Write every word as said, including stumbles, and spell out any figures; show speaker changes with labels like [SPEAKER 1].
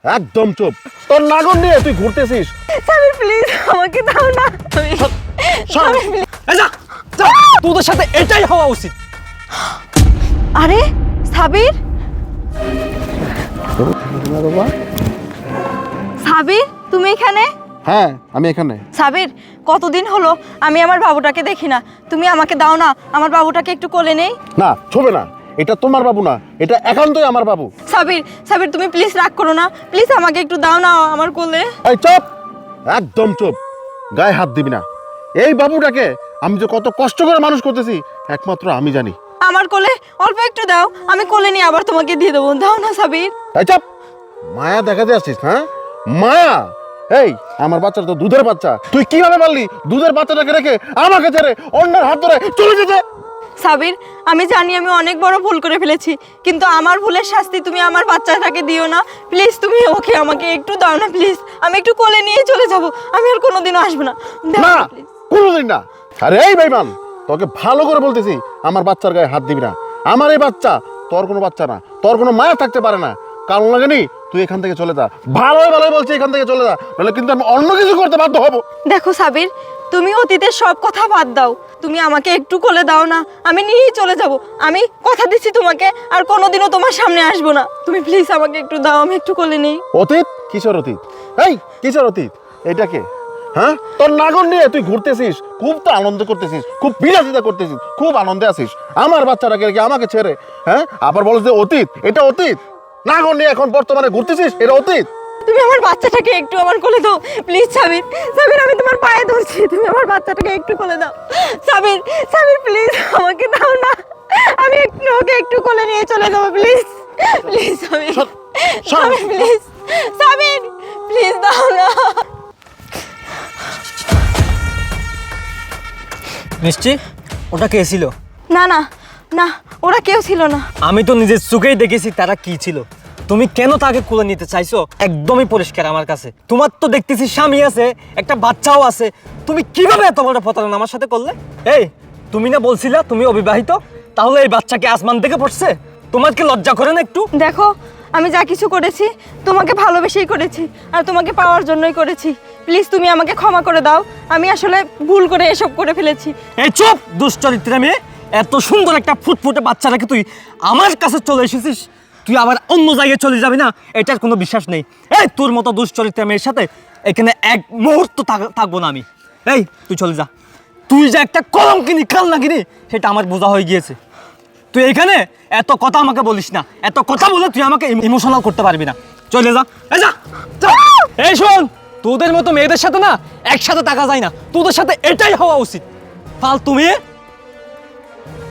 [SPEAKER 1] একদম চুপ। তোর নাগর নিয়ে তুই ঘুরতেছিস।
[SPEAKER 2] সাবির প্লিজ আমাকে দাও না। সাবির, please।
[SPEAKER 3] এই যা যা, তোদের সাথে এটাই হওয়া উচিত।
[SPEAKER 2] আরে সাবির, সাবির তুমি এখানে?
[SPEAKER 1] হ্যাঁ আমি এখানে।
[SPEAKER 2] সাবির কতদিন হলো আমি আমার বাবুটাকে দেখি না, তুমি আমাকে দাও না, আমার বাবুটাকে একটু কোলে নেই।
[SPEAKER 1] না ছবে না, এটা তোমার বাবু না, এটা একান্তই আমার বাবু।
[SPEAKER 2] সাবির সাবির তুমি প্লিজ রাগ করো না, প্লিজ আমাকে একটু দাও না আমার কোলে।
[SPEAKER 1] এই চুপ, একদম চুপ, গায়ে হাত দিবি না। এই বাবুটাকে আমি যে কত কষ্ট করে মানুষ করতেছি একমাত্র আমি জানি।
[SPEAKER 2] আমার কোলে অল্প একটু দাও, আমি কোলে নিয়ে আবার তোমাকে দিয়ে দেবো, দাও না সাবির।
[SPEAKER 1] এই চুপ, মায়া দেখাতে আসছিস? হ্যাঁ মায়া? এই আমার বাচ্চাটা তো দুধের বাচ্চা, তুই কিভাবে পারলি দুধের বাচ্চাটাকে রেখে আমাকে ছেড়ে অন্যের হাত ধরে চলে যেতে?
[SPEAKER 2] সাবির আমি জানি আমি অনেক বড় ভুল করে ফেলেছি, কিন্তু আমার ভুলের শাস্তি তুমি আমার বাচ্চাটাকে দিও না প্লিজ। তুমি ওকে আমাকে একটু দাও না প্লিজ, আমি একটু কোলে নিয়ে চলে যাব, আমি আর কোনোদিনও আসবো না। দাও
[SPEAKER 1] না
[SPEAKER 2] না, please।
[SPEAKER 1] কোনোদিন না। আরে এই বেঈমান, তোকে ভালো করে বলতেছি আমার বাচ্চার গায়ে হাত দিবি না। আমার এই বাচ্চা তোর কোনো বাচ্চা না, তোর কোনো মায়া থাকতে পারে না। কারণ লাগেনি তুই এখান থেকে চলে যা, ভালোই ভালোই বলছি এখান থেকে চলে যা, নাহলে কিন্তু আমি অন্য কিছু করতে বাধ্য হব।
[SPEAKER 2] দেখো সাবির, তুমি অতীতের সব কথা বাদ দাও, তুমি আমাকে একটু কোলে দাও না, আমি নিয়েই চলে যাব। আমি কথা দিচ্ছি তোমাকে আর কোনোদিনও তোমার সামনে আসবো না। তুমি প্লিজ আমাকে একটু দাও, আমি একটু কোলে নেই।
[SPEAKER 1] অতীত? কিসের অতীত? এই কিসের অতীত? এটাকে হ্যাঁ তোর নাগর নিয়ে তুই ঘুরতেছিস, খুব তো আনন্দ করতেছিস, খুব বিলাসিতা করতেছিস, খুব আনন্দে আছিস। আমার বাচ্চাটাকে রেখে আমাকে ছেড়ে হ্যাঁ আবার বলছ যে অতীত? এটা অতীত? নাগর নিয়ে এখন বর্তমানে ঘুরতেছিস, এটা অতীত?
[SPEAKER 2] তুমি আমার বাচ্চাটাকে একটু আমার কোলে দাও প্লিজ। সাবির সাবির আমি তোমার পায়ে ধরছি, তুমি আমার বাচ্চাটাকে একটু কোলে দাও। সাবির সাবির প্লিজ আমাকে দাও না, আমি একটু ওকে একটু কোলে নিয়ে চলে যাবো please please. Sabir Sabir please, Sabir please দাও না।
[SPEAKER 3] মিষ্টি, ওটা কে ছিল?
[SPEAKER 2] না না না, ওরা কেউ ছিল না।
[SPEAKER 3] আমি তো নিজের চোখেই দেখেছি তারা কি ছিল। তুমি কেন তাকে কোলে নিতে চাইছো একদমই পরিষ্কার আমার কাছে। তোমার তো দেখতেছি স্বামী আছে, একটা বাচ্চাও আছে, তুমি কিভাবে এত বড় প্রতারণা আমার সাথে করলে? এই তুমি না বলছিলা তুমি অবিবাহিত, তাহলে এই বাচ্চাকে আসমান থেকে পড়ছে? তোমার কি লজ্জা করে না একটু?
[SPEAKER 2] দেখো আমি যা কিছু করেছি তোমাকে ভালোবেসেই করেছি আর তোমাকে পাওয়ার জন্যই করেছি, প্লিজ তুমি আমাকে ক্ষমা করে দাও, আমি আসলে ভুল করে এসব করে ফেলেছি।
[SPEAKER 3] এই চুপ দুশ্চরিত্রা মেয়ে, এত সুন্দর একটা ফুটফুটে বাচ্চা রেখে তুই আমার কাছে চলে এসেছিস, তুই আবার অন্য জায়গায় চলে যাবি না এটার কোনো বিশ্বাস নেই। এই তোর মতো দুশ্চরিত্রা মেয়ের সাথে এখানে এক মুহূর্ত থাকবো না আমি। এই তুই চলে যা, তুই যে একটা কলঙ্কিনী কালনাগিনী সেটা আমার বোঝা হয়ে গিয়েছে। তুই এখানে এত কথা আমাকে বলিস না, এত কথা বলে তুই আমাকে ইমোশনাল করতে পারবি না, চলে যা। এই যা যা। এই শোন, তোদের মতো মেয়েদের সাথে না একসাথে থাকা যায় না, তোদের সাথে এটাই হওয়া উচিত। ফালতু মেয়ে।